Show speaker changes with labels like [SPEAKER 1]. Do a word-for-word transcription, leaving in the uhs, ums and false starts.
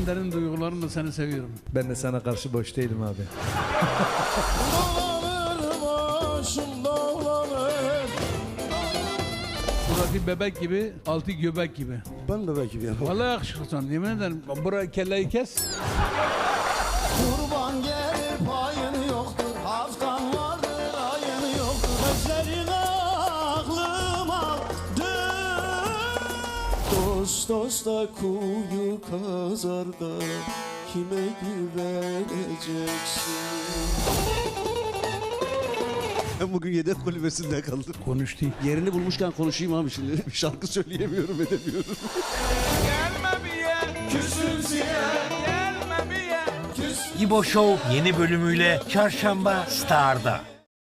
[SPEAKER 1] en derin duygularımla seni seviyorum.
[SPEAKER 2] Ben de sana karşı boş değilim abi.
[SPEAKER 1] Burası bebek gibi, altı göbek gibi.
[SPEAKER 2] Ben bebek gibi yapamam.
[SPEAKER 1] Vallahi yakışıklısın, yemin ederim. Buraya kelleyi kes.
[SPEAKER 3] Kurban gelir payın yoktur, haftan vardır ayın yoktur. Gözlerin aklım aldı. Dost dosta kuyu kazar da kime güveneceksin?
[SPEAKER 4] Ben bugün yedek kulübesinde kaldım.
[SPEAKER 1] Konuştu.
[SPEAKER 4] Yerini bulmuşken konuşayım abi şimdi. Bir şarkı söyleyemiyorum, edemiyorum.
[SPEAKER 3] Gelme bir yer, küsümsüye. Gelme bir yer, küs.
[SPEAKER 5] İbo Show yeni bölümüyle Çarşamba Star'da.